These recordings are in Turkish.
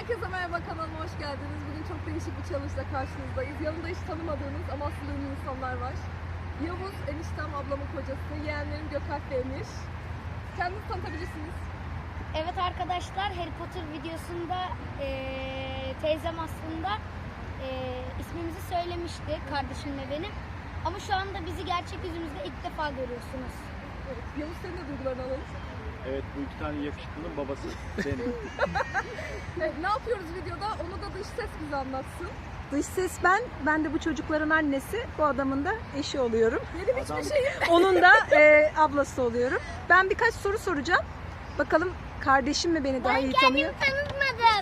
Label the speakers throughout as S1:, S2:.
S1: Herkese merhaba, kanalıma hoş geldiniz. Bugün çok değişik bir challenge'la karşınızdayız. Yanımda hiç tanımadığınız ama aslında ünlü insanlar var. Yavuz, eniştem, ablamın kocası, yeğenlerim Gökalp ve Emir. Kendinizi tanıtabilirsiniz.
S2: Evet arkadaşlar, Harry Potter videosunda teyzem aslında ismimizi söylemişti, kardeşimle benim. Ama şu anda bizi gerçek yüzümüzde ilk defa görüyorsunuz.
S1: Evet, Yavuz, senin de duygularını alalım.
S3: Evet, bu iki tane yakışıklının babası benim.
S1: Evet, ne yapıyoruz videoda? Onu da dış ses bize anlatsın.
S4: Dış ses ben de bu çocukların annesi, bu adamın da eşi oluyorum.
S1: Benim hiçbir şeyim.
S4: Onun da ablası oluyorum. Ben birkaç soru soracağım. Bakalım kardeşim mi beni daha iyi tanıyor?
S2: Tanıtmadım.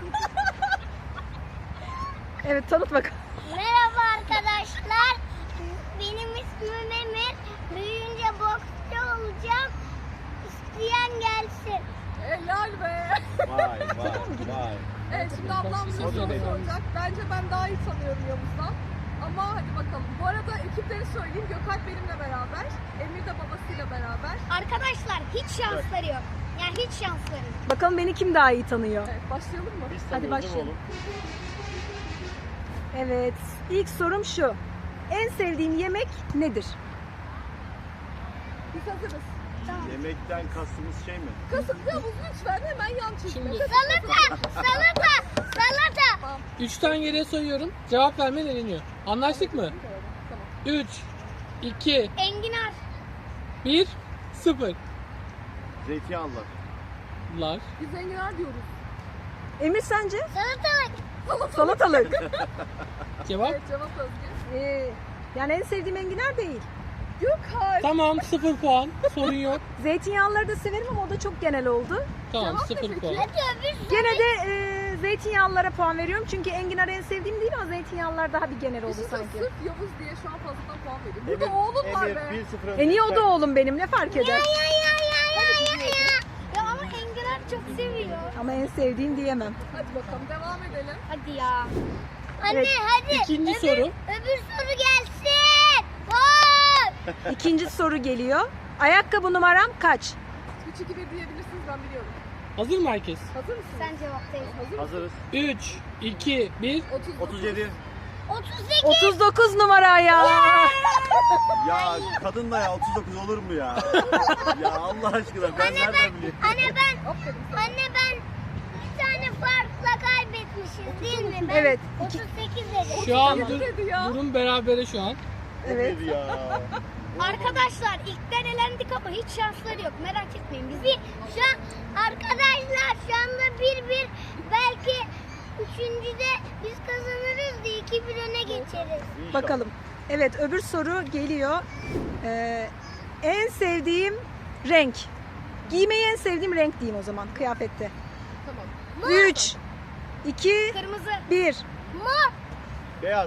S4: Evet, tanıt bakalım.
S2: Merhaba arkadaşlar, benim ismim Emir. Büyüyünce boksçu olacağım. İsteyen gelsin.
S1: Helal be.
S3: Vay.
S1: Evet, şimdi ablam bize soru soracak. Bence ben daha iyi tanıyorum Yavuz'dan. Ama hadi bakalım. Bu arada ekipleri söyleyeyim. Gökalp benimle beraber. Emir de babasıyla beraber.
S2: Arkadaşlar hiç şansları yok. Yani hiç şansları yok.
S4: Bakalım beni kim daha iyi tanıyor?
S1: Evet, başlayalım mı?
S3: Biz
S4: Hadi
S3: tanıyoruz
S4: başlayalım.
S3: oğlum.
S4: Evet, ilk sorum şu. En sevdiğin yemek nedir?
S1: Biz hazırız.
S3: Yemekten kastımız şey mi?
S1: Kasım Yavuz, lütfen hemen yan çizme.
S5: Şimdi-
S2: Salata.
S5: 3'ten geriye sayıyorum. Cevap vermen eleniyor. Anlaştık mı?
S1: Tamam.
S5: 3, 2,
S2: Enginar.
S5: 1, 0.
S3: Zeytinyağlılar.
S5: Lar.
S1: Biz enginar diyoruz.
S4: Emir sence?
S2: Salatalık.
S4: Salatalık.
S5: Cevap?
S1: Evet, cevap Özgür.
S4: Yani en sevdiğim enginar değil.
S1: Gökalp.
S5: Tamam, 0 puan. Sorun yok.
S4: Zeytinyağlıları da severim ama o da çok genel oldu.
S5: Tamam,
S1: Cevap ne
S5: 0
S1: peki?
S5: puan.
S4: Gene de zeytinyağlılara puan veriyorum. Çünkü enginar en sevdiğim değil ama zeytinyağlılar daha bir genel oldu
S1: Düşünsene,
S4: sanki.
S1: sırf Yavuz diye şu an fazladan puan veriyor. Burada oğlum var
S3: Emir
S1: be.
S3: 1-0 önde.
S4: Niye o da oğlum benim, ne fark eder?
S2: Ya ama enginar çok seviyor.
S4: Ama en sevdiğim diyemem.
S1: Hadi bakalım, devam edelim.
S2: Hadi ya. Anne
S4: Evet.
S2: hadi.
S5: İkinci soru.
S2: Öbür soru gelsin. Vay.
S4: İkinci soru geliyor. Ayakkabı numaram kaç?
S1: 3-2-1 diyebilirsiniz, ben biliyorum.
S5: Hazır mı herkes?
S1: Hazır mısınız?
S2: Sen cevaplayaydın.
S1: Hazır mısın?
S3: Hazırız.
S5: 3, 2, 1.
S3: 37.
S2: 38.
S4: 39 numara ya.
S3: Ya kadınla ya 39 olur mu ya? Ya Allah aşkına ben nereden bileyim?
S2: Anne ben
S1: Aferin sana.
S2: Anne ben bir tane farkla kaybetmişiz değil mi? Ben
S4: Evet.
S2: 38 dedim.
S5: Şu an
S1: Tamam. Dedi ya.
S5: durum berabere şu an.
S4: Evet.
S3: Emir ya.
S2: Arkadaşlar ilkten elendik ama hiç şansları yok. Merak etmeyin bizi. Şu an arkadaşlar şu anda 1-1, belki üçüncüde biz kazanırız diye 2-1 öne geçeriz.
S3: İnşallah.
S4: Bakalım. Evet, öbür soru geliyor. En sevdiğim renk. Giymeyi en sevdiğim renk diyeyim o zaman kıyafette.
S1: Tamam.
S4: 3, 2,
S2: Kırmızı.
S4: 1.
S2: Mor.
S3: Beyaz.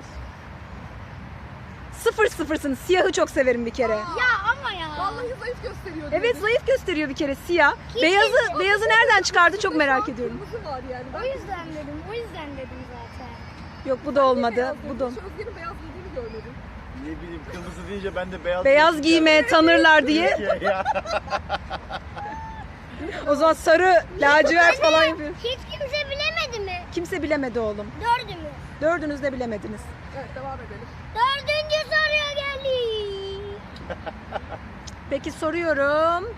S4: 0-0'sınız. Siyahı çok severim bir kere.
S2: Ya ama ya.
S1: Vallahi zayıf gösteriyor.
S4: Evet,
S1: dedi.
S4: zayıf gösteriyor bir kere siyah. Beyazı nereden çıkardı çok merak ediyorum.
S1: Kırmızı var yani.
S2: O yüzden dedim. O yüzden dedim zaten.
S4: Yok, bu da olmadı. Bu da.
S1: Hiç Özge'nin beyaz giydiğini görmedim.
S3: Ne bileyim kırmızı deyince ben de beyaz.
S4: Beyaz giyme tanırlar diye.
S3: Ya.
S4: O zaman sarı, lacivert falan yapıyor.
S2: Hiç kimse bilemedi mi?
S4: Kimse bilemedi oğlum.
S2: Dördümüz.
S4: Dördünüz de bilemediniz.
S1: Evet, devam edelim.
S2: Dördüncü soruya geldik.
S4: Peki soruyorum.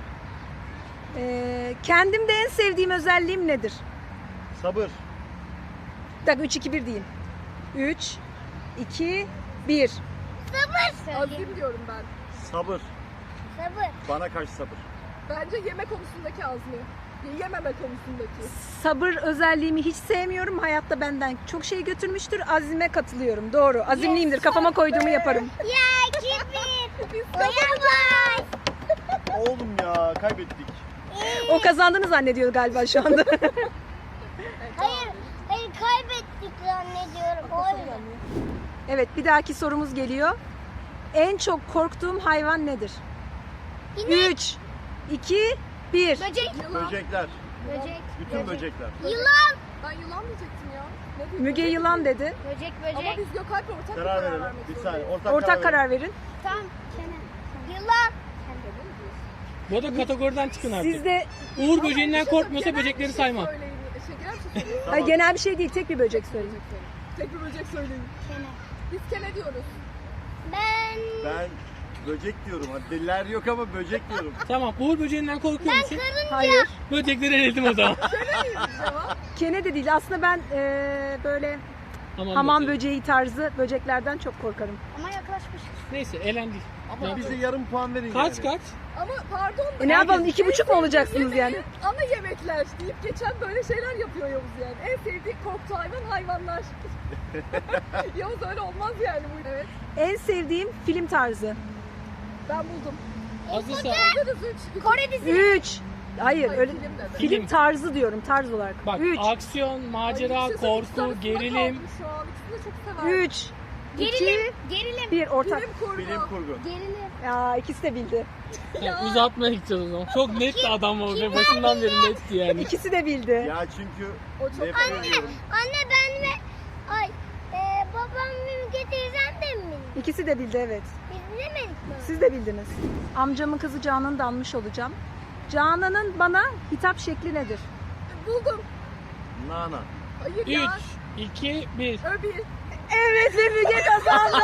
S4: Kendimde en sevdiğim özelliğim nedir?
S3: Sabır.
S4: Bir dakika, 3-2-1 diyeyim. 3, 2, 1.
S2: Sabır.
S1: Azim diyorum ben.
S3: Sabır.
S2: Sabır.
S3: Bana karşı sabır.
S1: Bence yeme konusundaki azmi. Yememe konusundaki.
S4: Sabır özelliğimi hiç sevmiyorum. Hayatta benden çok şey götürmüştür. Azime katılıyorum. Doğru. Azimliyimdir. Kafama koyduğumu yaparım.
S2: Ya 2-1.
S1: Biz
S2: Oyamaz.
S3: Oğlum ya kaybettik.
S4: O kazandığını zannediyor galiba şu anda.
S2: Hayır kaybettik zannediyorum. O yüzden.
S4: Evet, bir dahaki sorumuz geliyor. En çok korktuğum hayvan nedir?
S2: İnek.
S4: 3, 2, 1.
S2: Böcek.
S1: Yılan.
S3: Böcekler.
S2: Böcek.
S3: Bütün böcekler.
S2: Yılan.
S1: Ben yılan diyecektim ya. Ne diyeyim?
S4: Müge yılan dedi.
S2: Böcek
S1: Ama biz Gökalp'le ortak bir
S3: Karar verelim.
S1: vermek
S3: Bir
S1: zorundayız.
S3: saniye.
S4: Ortak karar verin.
S2: Tamam. Yılan.
S5: Bu da kategoriden çıkın artık.
S4: Siz de
S5: Uğur böceğinden korkmuyorsa
S1: Genel bir
S5: böcekleri
S1: şey
S5: saymam.
S1: söyleyin. Genel bir şey
S4: Hayır, genel bir şey değil, tek bir böcek söyleyin.
S1: Tek bir böcek söyleyin.
S2: Kene.
S1: Biz kene diyoruz.
S3: Ben böcek diyorum. Hadi deliler yok ama böcek diyorum.
S5: Tamam. Uğur böceğinden korkuyor musun?
S4: Hayır.
S5: Böcekleri eledim o zaman.
S1: Kene miymiş cevap?
S4: Kene de değil. Aslında ben böyle hamam böceği tarzı böceklerden çok korkarım.
S2: Ama yaklaşmış.
S5: Neyse elendik.
S3: Ama bize yarım puan verin
S5: Kaç
S3: yani.
S5: kaç?
S1: Ama pardon da.
S4: Ne yapalım,
S5: Herkes-
S4: 2,5 mu olacaksınız yani?
S1: Ana yemekler deyip geçen böyle şeyler yapıyor Yavuz yani. En sevdiği korktuğu hayvanlar. Yavuz öyle olmaz yani bu. Evet.
S4: En sevdiğim film tarzı.
S1: Ben buldum.
S5: Hazırsa
S1: Hazırız 3.
S2: Kore dizisi.
S4: 3. Hayır, öyle
S1: Film dedi.
S4: film tarzı diyorum, tarz olarak.
S5: bak
S4: 3.
S5: aksiyon, macera, korku, gerilim.
S1: Şu an ikisini de çok sever.
S4: 3.
S2: Gerilim. Gerilim.
S4: 1 ortak.
S1: Bilim kurgu.
S3: Bilim kurgu.
S2: Gerilim.
S4: Ya ikisi de bildi.
S5: Ya, uzatmaya gideceğiz o zaman. Çok net bir adam var ve başından beri netti yani.
S4: İkisi de bildi.
S3: Ya çünkü
S1: O çok
S3: nefret ediyorum.
S2: Anne ben ve babam Mümke teyzem de mi?
S4: İkisi de bildi, evet.
S2: Biz bilemedik mi?
S4: Siz de bildiniz. Amcamın kızı Canan'ı da almış olacağım. Canan'ın bana hitap şekli nedir?
S1: buldum.
S3: Nana.
S1: Hayır
S5: 3,
S1: ya.
S5: 2, 1.
S1: Öbi.
S4: Evet ve Müge kazandı.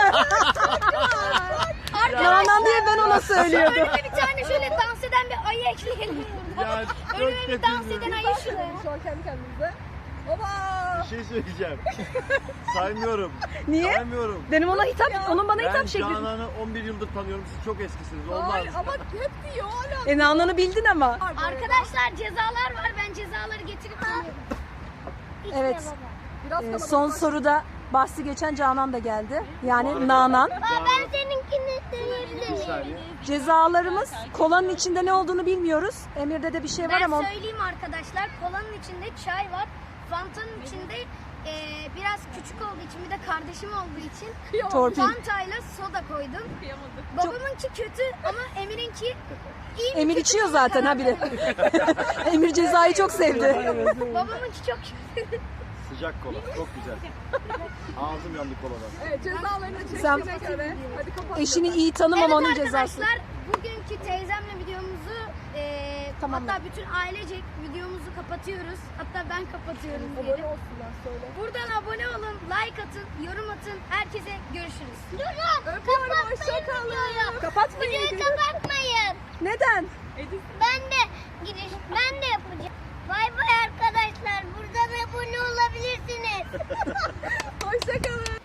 S4: Canan diye ben ona söylüyordum.
S2: Önüme bir tane şöyle dans eden bir ayı ekleyelim.
S3: Ya çok
S2: Önüme bir dans
S3: kötü.
S2: eden ayı şuraya.
S1: Şu an kendi kendimize. Oba.
S3: Bir şey söyleyeceğim. Saymıyorum.
S4: Niye?
S3: Saymıyorum.
S4: Benim ona hitap, onun bana
S3: Ben
S4: hitap şekli.
S3: Canan'ı 11 yıldır tanıyorum. Siz çok eskisiniz. Olmaz.
S1: Hayır ama hep diyor hala.
S4: Nanan'ı bildin ama.
S2: Arkadaşlar cezalar var. Ben cezaları getirip geliyorum.
S4: Evet.
S1: Biraz
S4: Son
S1: kalabalık.
S4: soruda bahsi geçen Canan da geldi. Yani Nanan.
S2: Ben seninkini
S3: Bir
S2: deneyebilirim.
S3: saniye.
S4: Cezalarımız kolanın içinde ne olduğunu bilmiyoruz. Emir'de de bir şey var
S2: Ben
S4: ama
S2: söyleyeyim arkadaşlar. Kolanın içinde çay var. Fanta'nın içinde biraz küçük olduğu için bir de kardeşim olduğu için
S1: Kıyamam.
S4: torpil.
S2: Fanta'yla soda koydum.
S1: Kıyamadık.
S2: Babamınki kötü ama Emir'inki iyi mi
S4: Emir
S2: kötü
S4: içiyor
S2: mü
S4: zaten
S2: karar
S4: ha bir de.
S2: veremedim.
S4: Emir cezayı çok sevdi.
S2: Babamınki çok kötü.
S3: Sıcak kola. Çok güzel. Ağzım yandı koladan.
S1: Evet cezalarını
S4: Sen-
S1: çektiğine göre. Hadi kapat.
S4: Eşini iyi tanımamanın
S2: Evet
S4: cezası.
S2: arkadaşlar bugünkü teyzemle videomuzu
S4: Tamam.
S2: hatta bütün ailecek videomuzu kapatıyoruz. Hatta ben kapatıyorum
S1: Abone
S2: diyelim.
S1: olsunlar söyle.
S2: Buradan abone olun, like atın, yorum atın. Herkese görüşürüz.
S1: Öpüyorum. Hoşçakalın.
S4: Kapatmayın.
S2: Videoyu kapatmayın.
S4: Neden?
S2: Ben de ben de yapacağım. Bay bay arkadaşlar. Buradan abone olabilirsiniz.
S1: Hoşçakalın.